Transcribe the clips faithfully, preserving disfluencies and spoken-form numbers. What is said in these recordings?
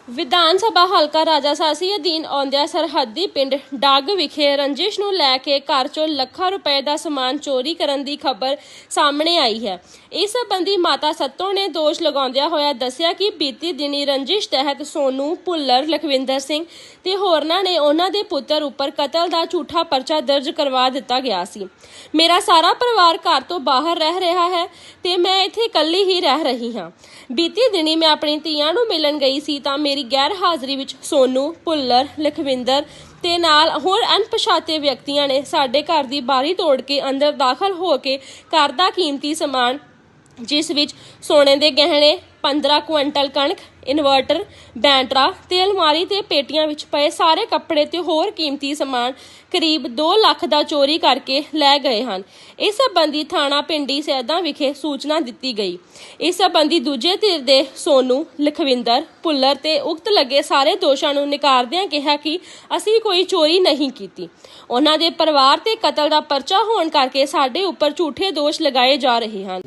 ਵਿਧਾਨ ਸਭਾ ਹਲਕਾ ਰਾਜਾਸਾਸੀ ਅਧੀਨ ਆਉਂਦਿਆਂ ਸਰਹੱਦੀ ਪਿੰਡ ਡੱਗ ਵਿਖੇ ਰੰਜਿਸ਼ ਨੂੰ ਲੈ ਕੇ ਘਰ ਚੋਂ ਲੱਖਾਂ ਰੁਪਏ ਦਾ ਸਮਾਨ ਚੋਰੀ ਕਰਨ ਦੀ ਖਬਰ ਸਾਹਮਣੇ ਆਈ ਹੈ। ਇਸ ਸੰਬੰਧੀ ਮਾਤਾ ਸੱਤੋ ਨੇ ਦੋਸ਼ ਲਗਾਉਂਦਿਆਂ ਹੋਇਆ ਦੱਸਿਆ ਕਿ ਬੀਤੀ ਦਿਨੀ ਰੰਜਿਸ਼ ਤਹਿਤ ਸੋਨੂ ਭੁੱਲਰ, ਲਖਵਿੰਦਰ ਸਿੰਘ ਤੇ ਹੋਰਨਾਂ ਨੇ ਉਹਨਾਂ ਦੇ ਪੁੱਤਰ ਉੱਪਰ ਕਤਲ ਦਾ ਝੂਠਾ ਪਰਚਾ ਦਰਜ ਕਰਵਾ ਦਿੱਤਾ ਗਿਆ ਸੀ। ਮੇਰਾ ਸਾਰਾ ਪਰਿਵਾਰ ਘਰ ਤੋਂ ਬਾਹਰ ਰਹਿ ਰਿਹਾ ਹੈ ਤੇ ਮੈਂ ਇੱਥੇ ਇਕੱਲੀ ਹੀ ਰਹਿ ਰਹੀ ਹਾਂ। ਬੀਤੀ ਦਿਨੀ ਮੈਂ ਆਪਣੀ ਧੀਆਂ ਨੂੰ ਮਿਲਣ ਗਈ ਸੀ ਤਾਂ ਮੇਰੀ ਗੈਰ ਹਾਜ਼ਰੀ ਵਿੱਚ ਸੋਨੂ, ਭੁੱਲਰ, ਲਖਵਿੰਦਰ ਤੇ ਨਾਲ ਹੋਰ ਅਣਪਛਾਤੇ ਵਿਅਕਤੀਆਂ ਨੇ ਸਾਡੇ ਘਰ ਦੀ ਬਾਰੀ ਤੋੜ ਕੇ ਅੰਦਰ ਦਾਖਲ ਹੋ ਕੇ ਘਰ ਦਾ ਕੀਮਤੀ ਸਮਾਨ, ਜਿਸ ਵਿੱਚ ਸੋਨੇ ਦੇ ਗਹਿਣੇ, ਪੰਦਰਾਂ ਕੁਇੰਟਲ ਕਣਕ, ਇਨਵਰਟਰ, ਬੈਂਟਰਾ ਤੇ ਅਲਮਾਰੀ ਤੇ ਪੇਟੀਆਂ ਵਿੱਚ ਪਏ ਸਾਰੇ ਕੱਪੜੇ ਤੇ ਹੋਰ ਕੀਮਤੀ ਸਮਾਨ ਕਰੀਬ ਦੋ ਲੱਖ ਦਾ ਚੋਰੀ ਕਰਕੇ ਲੈ ਗਏ ਹਨ। ਇਸ ਸੰਬੰਧੀ ਥਾਣਾ ਪਿੰਡੀ ਸੈਦਾ ਵਿਖੇ ਸੂਚਨਾ ਦਿੱਤੀ ਗਈ। ਇਸ ਸੰਬੰਧੀ ਦੂਜੇ ਧਿਰ ਦੇ ਸੋਨੂ, ਲਖਵਿੰਦਰ, ਭੁੱਲਰ ਤੇ ਉਕਤ ਲੱਗੇ ਸਾਰੇ ਦੋਸ਼ਾਂ ਨੂੰ ਨਕਾਰਦਿਆਂ ਕਿਹਾ ਕਿ ਅਸੀਂ ਕੋਈ ਚੋਰੀ ਨਹੀਂ ਕੀਤੀ। ਉਹਨਾਂ ਦੇ ਪਰਿਵਾਰ ਤੇ ਕਤਲ ਦਾ ਪਰਚਾ ਹੋਣ ਕਰਕੇ ਸਾਡੇ ਉੱਪਰ ਝੂਠੇ ਦੋਸ਼ ਲਗਾਏ ਜਾ ਰਹੇ ਹਨ।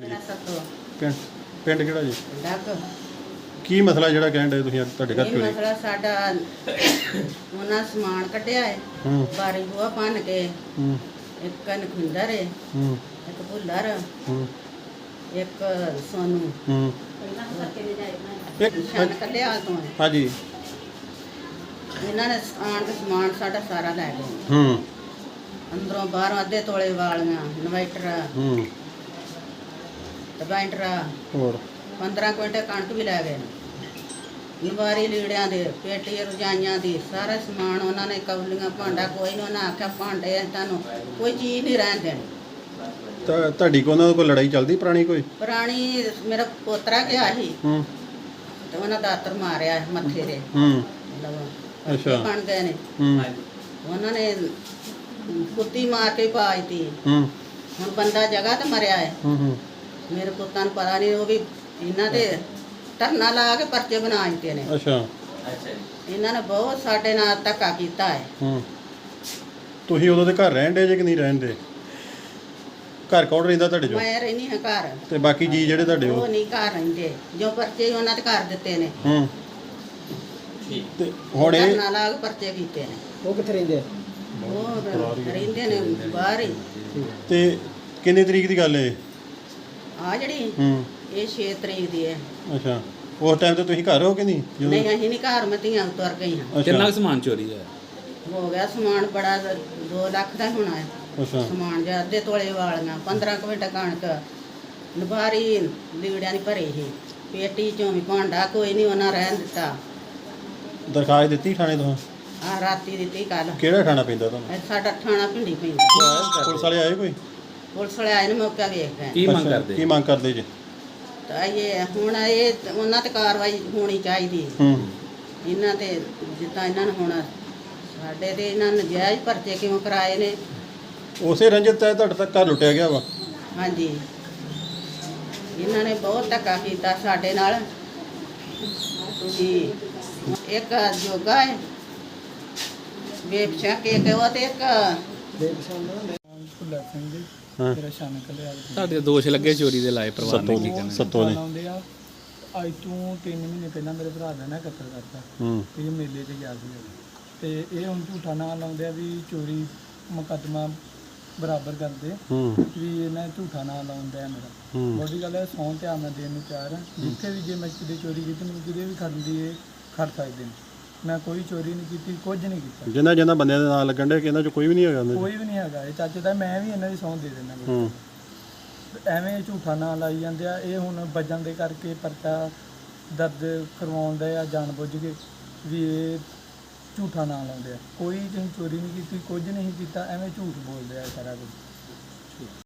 ਪਿੰਡ ਕਿਹੜਾ ਜੀ? ਡੱਗ। ਕੀ ਮਸਲਾ ਜਿਹੜਾ ਕਹਿਣ ਦੇ ਤੁਸੀਂ ਤੁਹਾਡੇ ਘਰ ਇਹ ਚੋਰੀ? ਮਸਲਾ ਸਾਡਾ ਉਹਨਾਂ ਸਮਾਨ ਕੱਢਿਆ ਹੈ, ਹੂੰ ਬਾਰੀ ਬੂਹਾ ਭੰਨ ਕੇ। ਹੂੰ ਇੱਕ ਨਖਵਿੰਦਰ ਹੈ, ਹੂੰ ਇੱਕ ਭੁੱਲਰ, ਹੂੰ ਇੱਕ ਸੋਨੂ। ਹੂੰ ਇੱਕ ਨਿਸ਼ਾਨ ਕੱਢਿਆ ਤੋਂ ਹੈ। ਹਾਂਜੀ। ਇਹਨਾਂ ਨੇ ਆਣ ਕੇ ਸਮਾਨ ਸਾਡਾ ਸਾਰਾ ਲੈ ਗਏ। ਹੂੰ ਅੰਦਰੋਂ ਬਾਹਰੋਂ ਅੱਧੇ ਤੋਲੇ ਵਾਲੀਆਂ, ਇਨਵਰਟਰ, ਹੂੰ ਬੈਂਟਰਾ, ਹੋਰ ਪੰਦਰਾਂ ਕੁਇੰਟਲ ਕਣਕ ਵੀ ਲੈ ਗਏ। ਨਵਾਰੀ ਲੀੜਿਆਂ ਦੇ, ਪੇਟੀ ਰਜਾਈਆਂ ਦੀ, ਸਾਰਾ ਸਮਾਨ ਉਹਨਾਂ ਨੇ, ਕੌਲੀਆਂ, ਭਾਂਡਾ ਕੋਈ ਨਹੀਂ। ਉਹਨਾਂ ਆਖਿਆ ਭਾਂਡੇ ਤੁਹਾਨੂੰ ਕੋਈ ਚੀਜ਼ ਨਹੀਂ ਰਹਿਣ ਦੇਣੀ। ਤਾਂ ਤੁਹਾਡੀ ਕੋ ਉਹਨਾਂ ਕੋਲ ਲੜਾਈ ਚੱਲਦੀ ਪੁਰਾਣੀ ਕੋਈ? ਪੁਰਾਣੀ ਮੇਰਾ ਪੋਤਰਾ ਗਿਆ ਸੀ ਹੂੰ ਤੇ ਉਹਨਾਂ ਦਾਤਰ ਮਾਰਿਆ ਮੱਥੇ ਦੇ। ਹੂੰ ਮਤਲਬ ਅੱਛਾ। ਬਣ ਗਏ ਨੇ। ਹੂੰ ਉਹਨਾਂ ਨੇ ਕੁੱਤੀ ਮਾਰ ਕੇ ਪਾਈਤੀ। ਹੂੰ ਹੁਣ ਬੰਦਾ ਜਗ੍ਹਾ ਤੇ ਮਰਿਆ ਹੈ। ਹੂੰ ਹੂੰ ਮੇਰੇ ਪੁੱਤਾਂ ਨੂੰ ਪਤਾ ਨਹੀਂ, ਉਹ ਵੀ ਇਹਨਾਂ ਦੇ ਧਰਨਾ ਲਾ ਕੇ ਪਰਚੇ ਬਣਾ ਦਿੱਤੇ ਨੇ। ਅੱਛਾ। ਇਹਨਾਂ ਨੇ ਬਹੁਤ ਸਾਡੇ ਨਾਲ ਧੱਕਾ ਕੀਤਾ ਹੈ। ਹੂੰ ਤੁਸੀਂ ਉਦੋਂ ਦੇ ਘਰ ਰਹਿਣ ਦੇ ਜੇ ਕਿ ਨਹੀਂ ਰਹਿਣ ਦੇ? ਘਰ ਕੌਣ ਰਹਿੰਦਾ ਤੁਹਾਡੇ ਚੋਂ? ਮੈਂ ਰਹਿਣੀ ਹਾਂ ਘਰ, ਤੇ ਬਾਕੀ ਜੀ ਜਿਹੜੇ ਤੁਹਾਡੇ ਉਹ ਉਹ? ਨਹੀਂ ਘਰ ਰਹਿੰਦੇ। ਜੋ ਪਰਚੇ ਉਹਨਾਂ ਤੇ ਕਰ ਦਿੱਤੇ ਨੇ। ਹੂੰ ਤੇ ਹੁਣ ਇਹ ਧਰਨਾ ਲਾ ਕੇ ਪਰਚੇ ਕੀਤੇ ਨੇ। ਉਹ ਕਿੱਥੇ ਰਹਿੰਦੇ ਆ? ਉਹ ਰਹਿੰਦੇ ਨੇ ਬਾਹਰ ਹੀ। ਤੇ ਕਿੰਨੇ ਤਰੀਕ ਦੀ ਗੱਲ ਹੈ? ਆ ਜਿਹੜੀ ਹੂੰ ਇਹ ਛੇ ਤਰੀਕ ਦੀ ਹੈ। ਅੱਛਾ। ਉਸ ਟਾਈਮ ਤੇ ਤੁਸੀਂ ਘਰ ਹੋ ਕਿ ਨਹੀਂ? ਜਦੋਂ- ਨਹੀਂ ਅਸੀਂ ਨਹੀਂ ਘਰ, ਮੈਂ ਧੀਆਂ ਤੁਰ ਗਈ ਹਾਂ। ਅੱਛਾ ਕਿੰਨਾ ਕੁ ਸਮਾਨ ਚੋਰੀ ਹੈ? ਹੋ ਗਿਆ ਸਮਾਨ ਬੜਾ, ਦੋ ਲੱਖ ਦਾ ਹੋਣਾ ਹੈ ਅੱਛਾ। ਸਮਾਨ। ਜਿਹਾ ਅੱਧੇ ਤੋਲੇ ਵਾਲੀਆਂ, ਪੰਦਰਾਂ ਕੁਇੰਟਲ ਕਣਕ, ਨਵਾਰੀ ਲੀੜਿਆਂ ਦੀ ਭਰੀ ਸੀ, ਪੇਟੀ ਚੋਂ ਵੀ ਭਾਂਡਾ ਕੋਈ ਨਹੀਂ ਉਹਨਾਂ ਰਹਿਣ ਦਿੱਤਾ। ਦਰਖਾਸਤ ਦਿੱਤੀ ਥਾਣੇ ਤੋਂ? ਆ ਰਾਤੀ ਦਿੱਤੀ ਕੱਲ। ਕਿਹੜਾ ਥਾਣਾ ਪੈਂਦਾ ਤੁਹਾਨੂੰ? ਇਹ ਸਾਡਾ ਥਾਣਾ ਪਿੰਡੀ ਪੈਂਦਾ। ਪੁਲਿਸ ਵਾਲੇ ਆਏ ਕੋਈ? ਪੁਲਿਸ ਵਾਲੇ ਆਏ ਨੇ, ਮੌਕਾ ਵੇਖ ਗਏ। ਕੀ ਮੰਗ ਅੱਛਾ, ਕਰਦੇ? ਕੀ ਮੰਗ ਕਰਦੇ ਜੀ? ਤਾਂ ਇਹ ਹੁਣ ਇਹ ਉਹਨਾਂ ਤੇ ਕਾਰਵਾਈ ਹੋਣੀ ਚਾਹੀਦੀ। ਹੂੰ ਇਹਨਾਂ ਤੇ ਜਿੱਦਾਂ ਇਹਨਾਂ ਨੂੰ ਹੁਣ ਸਾਡੇ ਤੇ ਇਹਨਾਂ ਨੇ ਨਜਾਇਜ਼ ਪਰਚੇ ਕਿਉਂ ਕਰਾਏ ਨੇ? ਉਸੇ ਰੰਜਿਤ ਹੈ ਤੁਹਾਡੇ ਤੱਕ ਘਰ ਲੁੱਟਿਆ ਗਿਆ ਵਾ? ਹਾਂਜੀ, ਇਹਨਾਂ ਨੇ ਬਹੁਤ ਧੱਕਾ ਕੀਤਾ ਸਾਡੇ ਨਾਲ। ਤੁਸੀਂ ਇੱਕ ਜੋਗਾ ਹੈ, ਵੇਪਸ਼ਾ ਕੇ ਉਹ ਤੇ ਇੱਕ ਭੁੱਲਰ ਸਿੰਘ ਜੀ, ਹਾਂ। ਮੇਰਾ ਸ਼ਾਨ ਕਲਿਆ ਤੁਹਾਡੇ ਦੋਸ਼ ਲੱਗੇ ਚੋਰੀ ਦੇ ਲਾਏ ਪਰਿਵਾਰ ਨੇ, ਕੀ ਸੱਤੋਂ ਕਹਿਣਾ? ਸੱਤੋਂ ਨੇ। ਲਾਉਂਦੇ ਆ। ਅੱਜ ਤੋਂ ਤਿੰਨ ਮਹੀਨੇ ਪਹਿਲਾਂ ਮੇਰੇ ਭਰਾ ਦਾ ਨਾ ਕਤਲ ਕਰਤਾ। ਹੂੰ ਇਹ ਮੇਲੇ ਤੇ ਗਿਆ ਸੀ ਤੇ ਇਹ ਹੁਣ ਝੂਠਾ ਨਾਂ ਲਾਉਂਦੇ ਆ ਵੀ ਚੋਰੀ ਮੁਕੱਦਮਾ ਬਰਾਬਰ ਕਰਦੇ ਹੂੰ ਵੀ ਇਹਨਾਂ ਝੂਠਾ ਨਾਂ ਲਾਉਂਦੇ ਆ ਮੇਰਾ। ਹੂੰ ਬੋਡੀ ਗੱਲ ਹੈ, ਸੌਂ ਤੇ ਆਮਦ ਦੇਣ ਨੂੰ ਤਿਆਰ ਹਾਂ। ਜਿੱਥੇ ਵੀ ਜੇ ਮੈਂ ਕਿਤੇ ਚੋਰੀ ਕੀਤੀ, ਮੈਨੂੰ ਕਿਤੇ ਵੀ ਖੜਨ ਦੀ ਇਹ ਖੜ ਸਕਦੇ ਨੇ। ਮੈਂ ਕੋਈ ਚੋਰੀ ਨਹੀਂ ਕੀਤੀ, ਕੁਝ ਨਹੀਂ ਕੀਤਾ। ਜਿਨ੍ਹਾਂ ਜਿਨ੍ਹਾਂ ਬੰਦਿਆਂ ਦੇ ਨਾਂ ਲੱਗਣ ਦੇ ਕਿ ਇਹਨਾਂ ਚੋਂ ਕੋਈ ਵੀ ਨਹੀਂ ਹੈਗਾ? ਕੋਈ ਵੀ ਨਹੀਂ ਹੈਗਾ ਇਹ ਚਾਚੇ ਦਾ। ਮੈਂ ਵੀ ਇਹਨਾਂ ਦੀ ਸਹੁੰ ਦੇ ਦਿੰਦਾ। ਹੂੰ ਐਵੇਂ ਝੂਠਾ ਨਾਂ ਲਾਈ ਜਾਂਦੇ ਆ। ਇਹ ਹੁਣ ਵੱਜਣ ਦੇ ਕਰਕੇ ਪਰਚਾ ਦਰਜ ਕਰਵਾਉਣ ਦਾ ਆ ਜਾਣ ਬੁੱਝ ਕੇ ਵੀ ਇਹ ਝੂਠਾ ਨਾਂ ਲਾਉਂਦੇ ਆ। ਕੋਈ ਤੁਸੀਂ ਚੋਰੀ ਨਹੀਂ ਕੀਤੀ, ਕੁਝ ਨਹੀਂ ਕੀਤਾ, ਐਵੇਂ ਝੂਠ ਬੋਲਦੇ ਆ ਸਾਰਾ ਕੁਝ।